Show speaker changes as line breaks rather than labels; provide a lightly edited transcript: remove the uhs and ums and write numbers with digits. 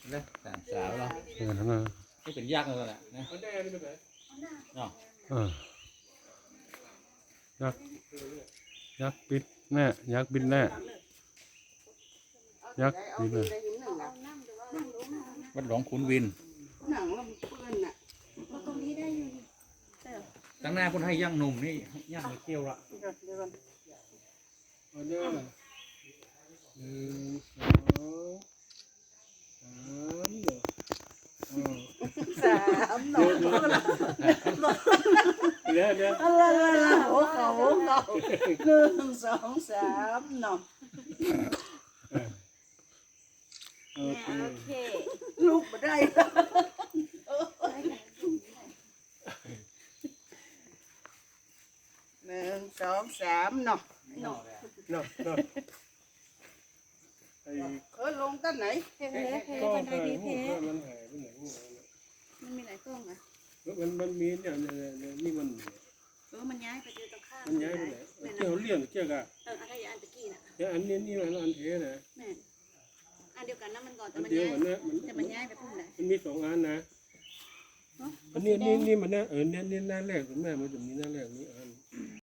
นะสามสาวเนาะ
นั่นนะ
ไม่เป็นยากเลยแหละนะเนาะ
ยักษ์ปิดแน่ยักษ์บินแน่ยักษ์บินแน่
วัดหลวงขุนวิน
หนังแล้วมันเปื้อนน่ะ
ตรงนี้ได้อยู่นี่
ตั้งหน้าคนให้ย่างหนุ่มนี่ย่างเกี่ยวละ
เดี๋ยวก่อน
ออเดอร์1 2 3
สามหนอ
เดี๋ยว
อะไรหัวเขา1 2 3หนอ
โอเค
โอเค
ลูกมาได้1 2 3หนอ
เนาะไอ้
ลงตั้งไหน
เพเพเพ
ก็
บันได
หาย
เพ
มันหายไปไหน
มันมีหลายกล้องอ่ะ
มันมีเนี่ยนี่มัน
มันย้ายไปเจอตรงข้าม
มันย้ายไปไหนเกี่ยวเลี่ยงเกี่ยวกับ
อะไรอันตะกี้น่ะ
อันนี้มันอันเทนะ
แม่อันเดียวกันนะมันก่อนแต่
อัน
มัน
เดียว
ย้าย
กันนะมัน
แต่มันย้ายไปพุ่งไหน
มันมี2 อันนะอันนี้มันนะเนี่ยนี่หน้าแรกคุณแม่มันจะมีหน้าแรกนี้อัน